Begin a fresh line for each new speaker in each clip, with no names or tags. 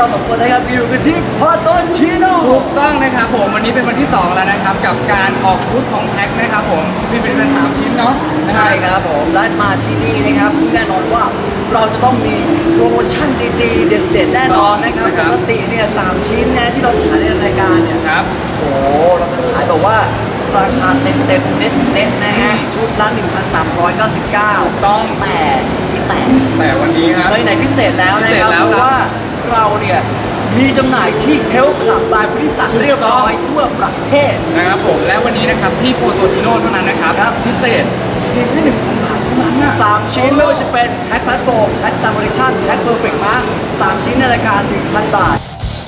สองคนนะครับอยู่กันที่พอโตชิโน่
ถูกต้องนะครับผมวันนี้เป็นวันที่ 2 แล้วนะครับกับการออกบูธของแพ็คนะครับผมมีเป็น3 ชิ้นเนาะ
ใช่ครับผมและมาที่นี่นะครับที่แน่นอนว่าเราจะต้องมีโปรโมชั่นดีๆเด็ดๆแน่นอนนะครับปกติเนี่ย3 ชิ้นนะที่เราขายในรายการเนี่ย
ครับ
โอ้โหเราจะขายแบบว่าราคาเต็มๆเน็ตๆนะฮะชุดละ1,399
ต้อง
แต่
วันนี้ครับ
ในพิเศษแล้วนะครับ
พิเศษแล้ว
เพ
ครับ
ราะว่าเราเนี่ยมีจำหน่ายที่ Health Club บายพุทธิศักดิ์เรียบร้อยทั่วประเทศ
นะครับผมและวันนี้นะครับที่โปโตชิโน่เท่านั้นนะครับ
ครับ
พิเศษเพียงแค่1,000 บาทเท่านั้นนะ
3 ชิ้นไม่ว่าจะเป็นแท็กพลตฟอร์มแท็กซัมโมเลชั่นแท็กเพอร์เฟกต์มา3 ชิ้นในราคา 1,000 บาท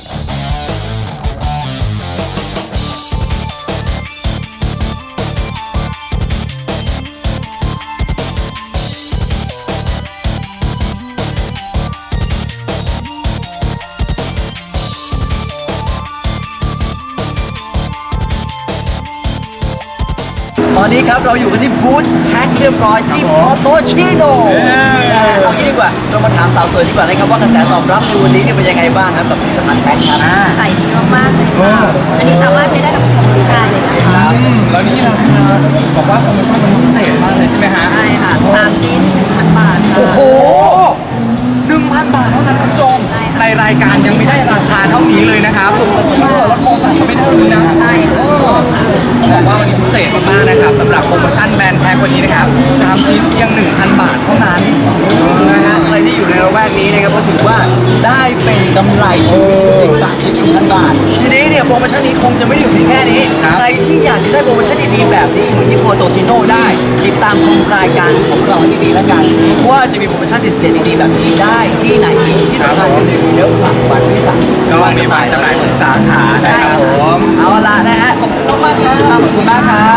ตอนนี้ครับเราอยู่กันที่บูธแท็กเรียบร้อยที่พอโตชิโน่เอางี้ดีกว่าเรามาถามสาวสวยดีกว่านะครับว่ากระแสตอบรับในวันนี้เนี่ยเป็นยังไงบ้างครับกับผลิตภัณฑ์แท็กครับ
ขายดีมากๆเลยค่ะ อันนี้สามารถใช้ได้กับทุกผู้ชายเลยนะคะ
แล้วนี่ราคาบอกว่าโปรโมชั่นมันพิเศษมากเลยใช่ไหมฮะ
ใช่ค่ะ3 ชิ้น 1,000 บาทค่ะ
โอ้โห 1,000 บาทเท่านั้นคุณผู้ชม
ใช่ค่ะ
ในรายการยังไม่ได้ราคาเท่านี้เลยนะครับแล้วโปรสั่งก็ไม่ได้เลยนะ
ใช่ค่ะ
บอกว่าวันนี้พิเศษมากๆนะครับสำหรับโปรโมชั่นแบรนด์แพ็ควันนี้นะครับ3 ชิ้นเพียง 1,000 บาทเท่านั้นนะฮะ
ใครที่อยู่ในระแวกนี้นะครับก็ถือว่าได้เป็นกำไรชีวิตถึง3 ชิ้น 1,000 บาท ทีนี้เนี่ยโปรโมชั่นนี้คงจะไม่ได้อยู่เพียงแค่นี้
ครับ
ใครที่อยากจะได้โปรโมชั่นดีๆแบบนี้เหมือนที่โปรโตชิโน่ได้ติดตามชมรายการของเราให้ดีแล้วกันว่าจะมีโปรโมชั่นเด็ดๆดีๆแบบนี้ได้ที่ไหนอีกที่สำคัญก็คือเยอะกว่าวันที่สาม
ก็มีหมายจำหน่ายทุกสาขานะครับผม
เอาละนะฮะขอบคุณมากๆครับ
ขอบคุณมากครับ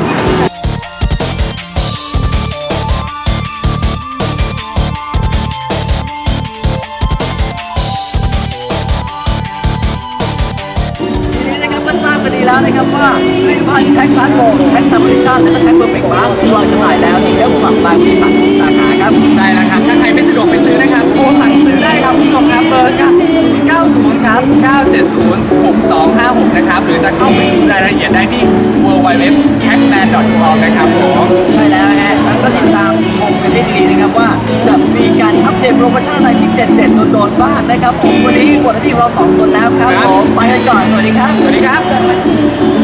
ทีนี้นะครับก็ทราบกันดีแล้วนะครับว่าผลิตภัณฑ์แท็กพาสโมแท็กซัมมิชชั่นและก็แท็กเพอร์เฟกต์มาร์ควางจำหน่ายแล้วที่เอฟคลับบางบริษัทสาขาครับ
ใช่แล้วครับ ถ้าใครไม่สะดวกไปซื้อนะครับโทรสั่งซื้อได้ครับคุณผู้ชมครับเบอร์90ครับ970 6256นะครับหรือจะเข้าไปดูรายละเอียดได้ที่ www.hackman.com นะครับผม
ใช่แล้วฮะแล้วก็ติดตามชมกันให้ดีๆนะครับว่าจะมีการอัปเดตโปรโมชั่นอะไรที่เด็ดๆโดนๆบ้างนะครับผมวันนี้หมดหน้าที่ของเรา2 คนแล้วครับผมไปกันก่อนสวัสดีครับ
สวัสดีครับ